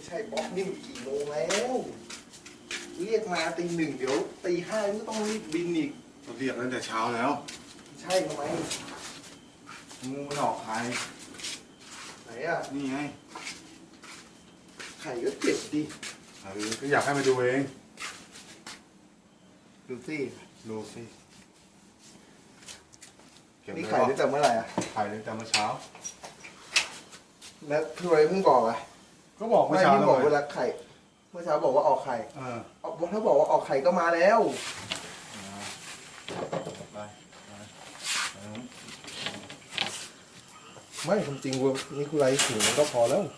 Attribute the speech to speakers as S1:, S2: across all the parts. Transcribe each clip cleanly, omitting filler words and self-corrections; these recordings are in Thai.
S1: ช่ป๊อกนี่กี่โมงแล้วเรียกมาตี 1เดี๋ยวตี 5ก็ต้องรีบบินอีก
S2: เราเรียกตั้งแต่เช้าแล้ว
S1: ใช่ทำไม
S2: งูมันออกไข่
S1: ไหนอ่ะ
S2: นี่ไง
S1: ไข่ก็เจ็บดิ
S2: ก็อยากให้มาดูเอง
S1: ดูสิ
S2: ดูสิ
S1: นี่ไข่ตั้งแต่เมื่อไหร่อ่ะ
S2: ไข่ตั้งแต่เมื่อเช้า
S1: แล้วทำไมเพิ่งบอกอ่ะ
S2: ก็บอกเมื่อเช้า
S1: ไม่บอกเวลาไข่เมื่อเช้าบอกว่าออกไข่ถ้าบอกว่าออกไข่ก็มาแล้วไม่ความจริงว่านี่คือไรถึงมันก็พอแล้ว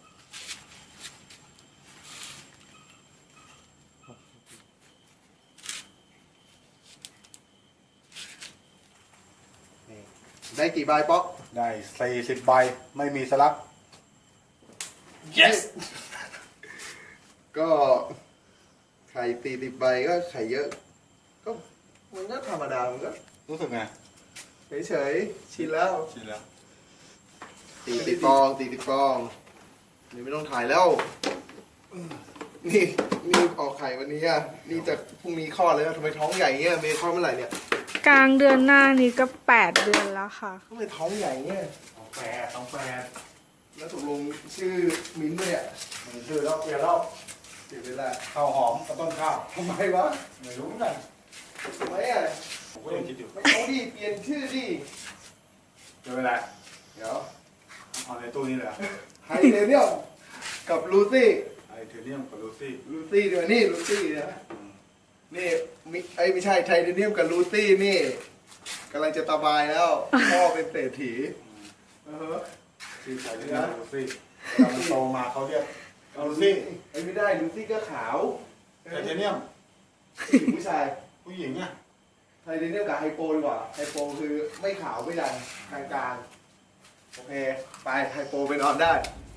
S1: ได้กี่ใบป๊อก
S2: ได้40 ใบไม่มีสลัก
S1: yes ก็ไข่40 ใบก็ไข่เยอะก็มันก็ธรรมดามันก็
S2: รู้สึกไง
S1: เฉยๆชินแล้ว40 ฟองนี่ไม่ต้องถ่ายแล้วนี่ออกไข่วันนี้อ่ะนี่จะพรุ่งนี้คลอดเลยนะทำไมท้องใหญ่เงี้ยเมย์คลอดเมื่อไหร่เนี่ย
S3: กลางเดือนหน้านี้ก็8 เดือนแล้วค่ะ
S1: ทำไมท้องใหญ่เงี้ย
S2: ต้องแปด
S1: แล้วตกลงชื่อมิ้นท์ด้วยอ่ะ
S2: มันชื่อแล้วเปลี่ยนแล้ว
S1: เสียเวลา
S2: ข้าวหอมกับต้นข้าว
S1: ทำไมวะ
S2: ไม่รู้เหมือนกัน
S1: ทำไมอ่ะ
S2: ผมก็ยังคิดอยู่
S1: ไม่เอาดิเปลี่ยนชื่อดิ
S2: เดี๋ยวเวลา
S1: เดี๋ยว
S2: เอาในตู้นี้เลย
S1: ไฮเทเนียมกับลูซี่
S2: ไฮเทเนียมกับลูซี่
S1: ด้วยนี่ลูซี่นะนี่ไม่ใช่ไทเทเนียมกับลูซี่นี่กำลังจะตบายแล้วพ่อเป็นเศรษฐี
S2: ชื่อไทเทเนียมลูซี่เราโตมาเขาเรียกลูซี่
S1: ไม่ได้ลูซี่ก็ขาว
S2: ไทเทเนียม
S1: ผู้ชาย
S2: ผู้หญิงอ่ะ
S1: ไทเทเนียมกับไฮโปดีกว่าไฮโปคือไม่ขาวไม่ดำกลางๆโอเคไปไฮโปไปนอนได้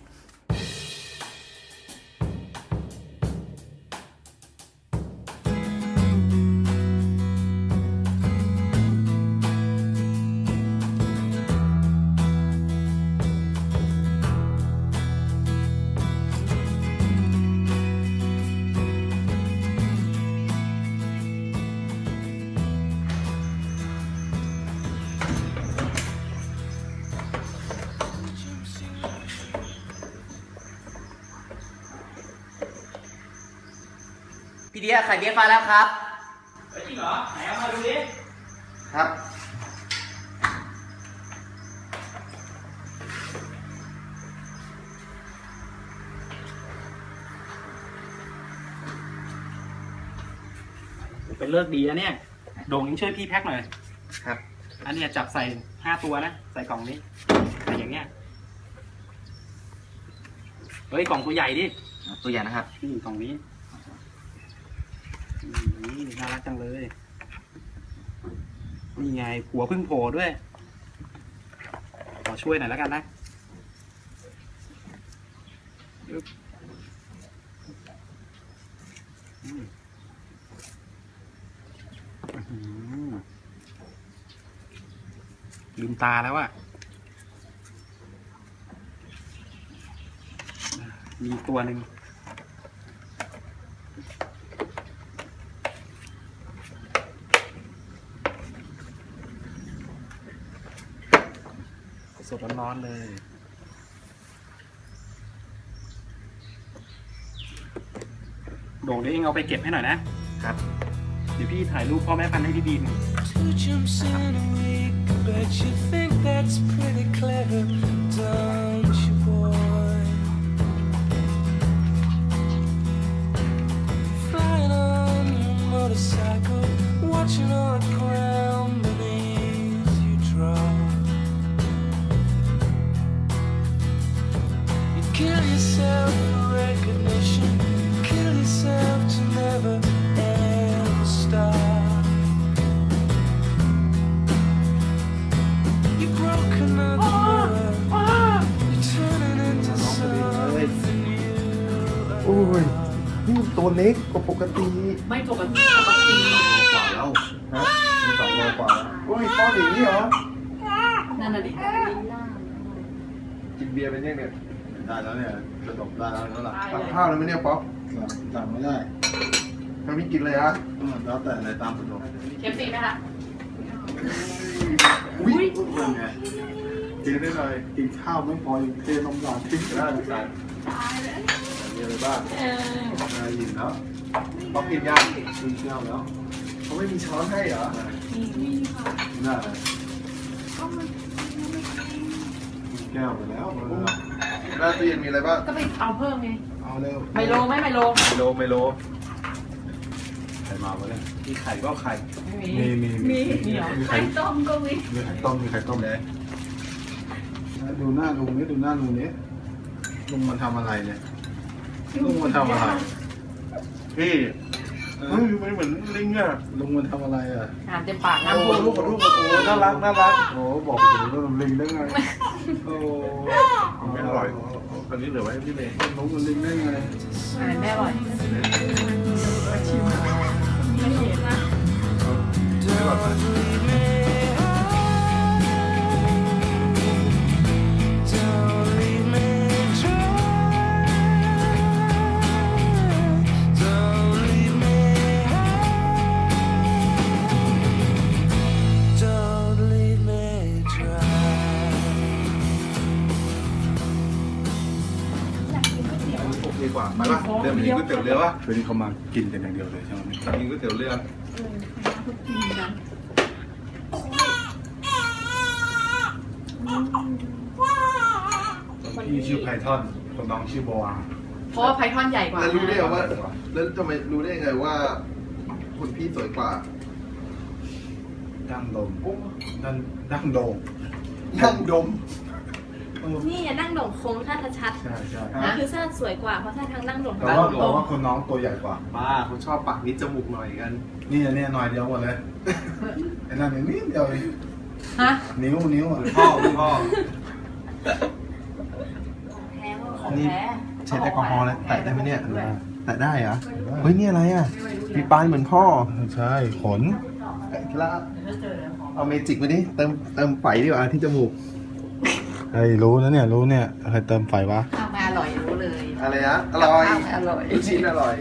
S4: พี่เดียไข่เบี้ยฟ้าแล้วครับ
S5: จริงเหรอไหนเอามาดูดิ
S4: ครับ
S5: เป็นเลิกดีนะเนี่ยโด่งยังช่วยพี่แพ็คหน่อย
S4: ครับ
S5: อันนี้จับใส่5 ตัวนะใส่กล่องนี้ใส่อย่างเงี้ยเฮ้ยกล่องตัวใหญ่ดิ
S4: ตัวใหญ่นะครับ
S5: กล่องนี้น่ารักจังเลยนี่ไงหัวพึ่งโผล่ด้วยขอช่วยหน่อยแล้วกันนะลืมตาแล้วอะมีตัวหนึ่งสดร้อนๆเลยโด่งเดี๋ยวเองเอาไปเก็บให้หน่อยนะครับเดี๋ยวพี่ถ่ายรูปพ่อแม่พันธุ์ให้พี่บีม
S6: Kill yourself for recognition. Kill yourself to never ever stop. You're broken up the mirror. You're turning into something new.
S1: โอ้ยนี่ตัวเล็กกว่าปกติ
S5: ไม่ปกติ
S2: กว่าแล้ว
S1: ฮะมี2 โลกว่าแล้วโอ้ยป้อนอย่างนี้เหรอ
S3: นั่นน่ะดิ
S1: กินเบียร์เป็นยังไง
S2: ได้แล้วเนี่ยกระดกได้แล้วแล้วล่ะ
S1: ตักข้าวเลยไหมเนี่ยป๊อป
S2: สั่งไม่ได้
S1: ทำไม่กินเลยฮะ
S2: แล้วแต่ในตามสะดวก
S3: เชฟซีไหมคะ
S1: อุ้ย
S2: ยังไงกินได้เลยกินข้าวไม่พอยังเทนมหวานทิ้งได้เหมือนกันมีอะไรบ้างอะไรยินแล้ว
S1: ป๊อปกินยัง
S2: กินข้าวแล้ว
S1: เขาไม่มีช้อนให้เหรอ
S2: น่าเลยกินแก้วไปแล้วเออ
S1: หน้าตู้เย็นมีอะไรบ้าง
S3: ก็ไปเอาเพิ่มไง
S2: เอาเร็ว
S3: ไมโลไหมไมโล
S2: ไมโลใครมาวะเนี่ยมีไข่ก็ไข่
S3: ไม่มี
S2: มีเหรอมีไข่
S3: ต้มก็มี
S2: มีไข่ต้มมีไข่ต้มเลยดูหน้าลุงนี่ดูหน้าลุงนี่ลุงมันทำอะไรเนี่ยลุงมันทำอะไรพี่เฮ้ยมันเหมือนลิงอ่ะลุงมันทำอะไรอ่ะ
S3: อาหารเต็มปาก
S2: โอ้
S3: น้ำ
S2: ลูกขอลูกโอ้น่ารักน่ารักโอ้บอกถึงเรื่องลิงได้ไงโอ้ไม่อร่อยอันนี้เหลือไว้ให้พี่เมย์ลุงมันลิงได้ไง
S3: อาหารแม่อร่อย
S2: ไม่อร่อยไหม
S1: โอเคกว่าไปป่ะเดี๋ยวมีก๋วยเตี๋ยวเรือป่ะ
S2: วันนี้เขามากินกันอย่างเดียวเลยใช่ไหม
S1: มีก๋วยเตี๋ยวเรือ
S2: พี่ชื่อไพทอนคนน้องชื่อโบอา
S3: เพราะว่าไพทอนใหญ่กว่า
S1: แล้วรู้ได้ไงว่า แล้วทำไมรู้ได้ไงว่าคนพี่สวยกว่า
S2: ดั้งโดมดั้งโดม
S1: นั่งดม
S7: นี่อย่านั่งโด่งโค้งถ้าชัด
S2: ใช่ใช่
S7: ๆนี่คือเส้นสวยกว่าเพราะถ้าทางนั่งโด่ง
S2: แต่ว่าคนน้องตัวใหญ่กว่า
S1: บ้าเขาชอบปากนิดจมูกหน่อยกัน
S2: นี่อันนี้หน่อยเดียวหมดเลยไอ้นั่นนิดเดียวเอง
S3: ฮะ
S2: นิ้วอ่ะ
S1: พ่อพ่อ
S7: แท้ว่าของ
S1: นี่
S7: แท้
S1: ใช้แอลกอฮอล์แล้วแตะได้ไหมเนี่ยแตะได้เหรอเฮ้ยนี่อะไรอ่ะมีปลายเหมือนพ่อ
S2: ใช่ขน
S1: แล้วเอาเมจิกมาดิเติมไฟดีกว่าที่จมูก
S2: เฮ้ยรู้นะเนี่ยรู้เนี่ยใครเติมไฟวะ
S3: ข้าวไม่อร่อยรู้เลย
S1: อะไรนะอร่อย
S3: ข้าวไม่อร่อย
S1: ลูกชิ้นอร่อย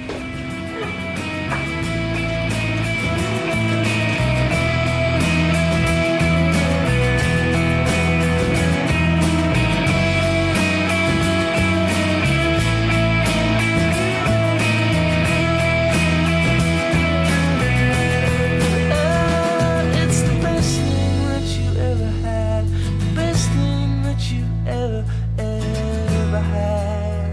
S6: It's the best thing that you ever had. The best thing that you ever had.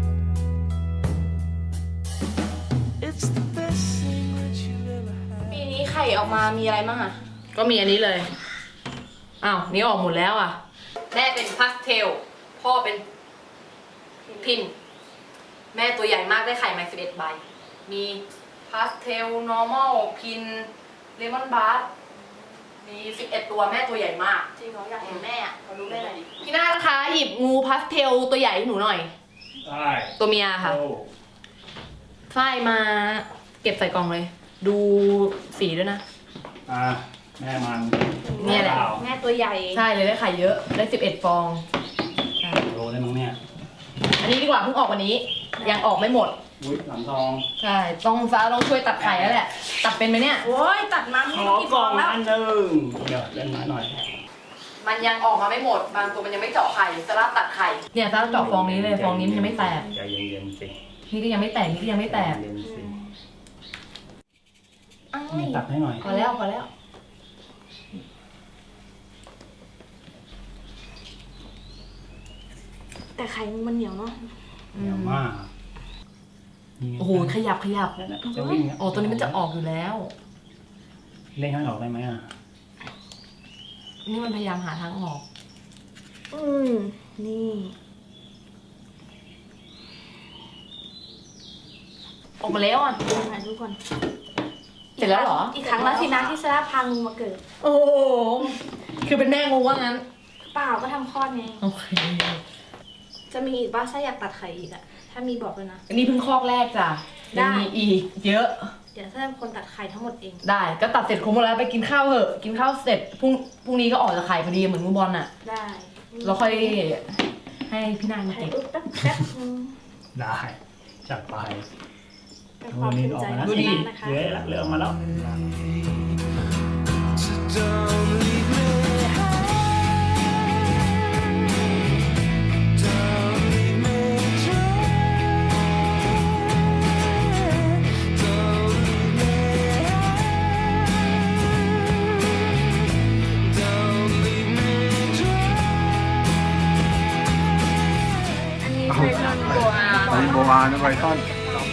S6: It's the best thing that you ever had.
S7: ปีนี้ไข่ออกมามีอะไรบ้างอะ
S3: ก็มีอันนี้เลย อ้าว นี่ออกหมดแล้วอ่ะ แม่เป็นพาสเทล พ่อเป็นพิน แม่ตัวใหญ่มากได้ไข่มา11 ใบ มีพาสเทล นอร์มอล พิน เลมอนบาร์มี11 ตัวแม่ตัวใหญ่มาก
S7: จริงเหรออยากเห็นแม่อะขอรู้ได้เลย
S3: พี่นานะคะหยิบงูพาสเทลตัวใหญ่ให้หนูหน่อย
S5: ได้
S3: ตัวเมียค่ะ ฝ้ายมาเก็บใส่กล่องเลย ดูสีด้วยนะ
S5: แม่มัน
S3: เนี่ยแหละ
S7: แม่ตัวใหญ่
S3: ใช่เลยได้ไข่เยอะ ได้11 ฟองใช่
S5: โลได้มั้งเนี่ย
S3: อันนี้ดีกว่าเพิ่งออกวันนี้ ยังออกไม่หมด
S5: อุ้ยหลังทอง
S3: ใช่ ต้องช่วยตัดไข่แล้วแหละ ตัดเป็นไหมเนี่ย
S7: โอ้ยตัดมาไม่รู้กี่ฟองแล้ว
S5: หนึ่งเดี๋ยวเล่นไม้หน่อย
S3: มันยังออกมาไม่หมด บางตัวมันยังไม่เจาะไข่ซาร่าตัดไข่ เนี่ยซาร่าเจาะฟองนี้เลย ฟองนี้มันยังไม่แตก
S5: ใจเย็นๆสิ
S3: นี่ก็ยังไม่แตก นี่ก็ยังไม่แตก
S5: เย็นๆสิ
S7: อ้า
S5: นี่
S7: ย
S5: ตัดให้หน่อย
S3: พอแล้วพอแล้ว
S7: แต่ไข่มันเหนียวเนาะ
S5: เหนียวมากนี่ไง
S3: โอ้โห ขยับ
S5: จะวิ่ง
S3: โอ้ตัวนี้มันจะออกอยู่แล้ว
S5: เล่นให้ออกได้ไหมอ่ะ
S3: นี่มันพยายามหาทางออก
S7: นี่
S3: ออกมาแล้วอ่ะ
S7: ถ่ายทุกคน
S3: เสร็จแล้วเหรอ
S7: อีกครั้งแล้วสินะที่ซาร่าพางูมาเกิด
S3: โอ้โห คือเป็นแม่งูว่างั้น
S7: เปล่าก็ทำคลอดไง
S3: โอเค
S7: จะมีอีกบ้าถ้าอยากตัดไข่อีกอะถ้ามีบอกเลยนะ
S3: อันนี้เพิ่งคอกแรกจ้ะ
S7: ได้
S3: ยังมีอีกเยอะ
S7: เดี๋ยวถ้าเป็นคนตัดไข่ทั้งหมดเอง
S3: ได้ ก็ตัดเสร็จครบหมดแล้วไปกินข้าวเถอะ กินข้าวเสร็จพรุ่งนี้ก็ออกจากไข่พอดีเหมือนงูบอลน่ะ
S7: ได้
S3: เราค่อยให้พี่นาง
S7: ถ่าย
S3: เก็บ
S7: รูปแป๊บแป๊บนึง
S5: ได้จัดไป
S7: เป็นความ
S5: นี่
S7: ภู
S5: อ
S7: มิ
S5: อก
S7: ใจ
S5: มา
S7: ข
S5: แล้
S7: อ
S5: ว
S7: ง
S5: ดู
S7: เซ
S5: ดิ
S7: น่านะคะ
S5: เลื้อยละเลื้อยออกมาแล้ว
S6: So don't leave me high. Don't leave me dry. Don't leave me high. Don't leave me dry.
S7: อันนี้เป็นนนโกอา
S2: ไอโบอานะไบทอน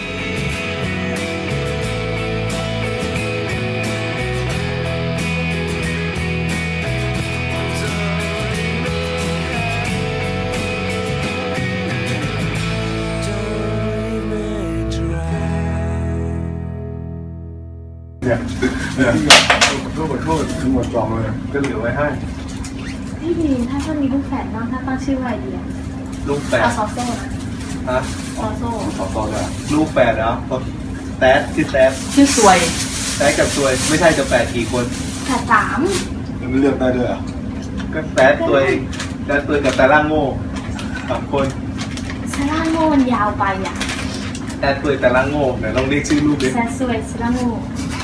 S2: เนี่ยขอโทษทั้งหมดกล่องเลยก็เหลือไว้ให้
S7: พี่พีนถ้ามีลูกแฝดบ้างถ้าตั้งชื่อว่าอะไรดีอะ
S1: ลูกแฝด
S7: เอาซอโซ่นะ
S1: ฮะ
S7: ซอโซ่
S1: ขอตอนละลูกแฝดแล้วแต๊ดชื่อแต๊ด
S3: ชื่อสวย
S1: แต๊ดกับซวยไม่ใช่จะแฝดกี่คน
S7: แฝดสาม
S2: มันเลือกได้ด้วยเหรอ
S1: ก็แต๊ดตัวเองแต๊ดตัวกับแต่ล่างโง่3 คน
S7: ซาร่าโง่มันยาวไปอ่ะ
S1: แต๊ดตัวแต่ล่างโง่ไหนลองเรียกชื่อลูกดิ
S7: แซดสวยซาร่าโง่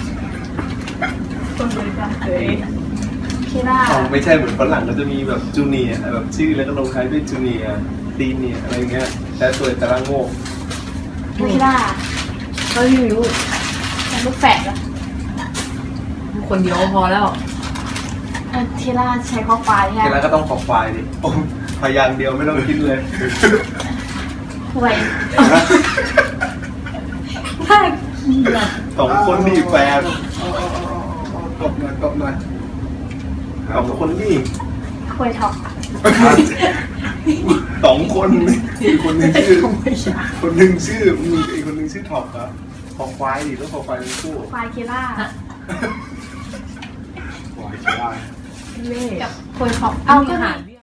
S7: คนเลยกันเลยเคล่า
S1: อ๋อไม่ใช่เหมือนฝรั่งก็จะมีแบบจูเนียร์แบบชื่อแล้วก็ลงท้ายด้วยจูเนียร์ตีเนียร์อะไรเงี้ยแต๊ดตัวแต่ล่างโง่
S7: เคล่าก็ไม่รู้แต่ลูกแฝดอะ
S3: คนเดียวก็พอแล้ว
S7: เคล่าใช้ข้อควาย
S1: เว
S7: ใช่ไหม
S1: ลาก็ต้องขอควายดิโอ้พยางค์เดียวไม่ต้องคิดเลย
S7: ห่วย
S1: 2 คนนี่แฟน
S2: ตบหน่อยตบหน่อย
S1: 2 คนนี่
S7: ห่วยท็อป
S1: 2 คนนี่คนหนึ่งชื่อคนหนึ่งชื่อมีอีกคนหนึ่งชื่อท็อปครับขอควายดิต้องขอควายทั้งคู่
S7: ควายเคล่า
S2: ปล่อยได้
S7: กับห่วยท็อปเอาก็
S3: อา
S7: หา
S3: หาร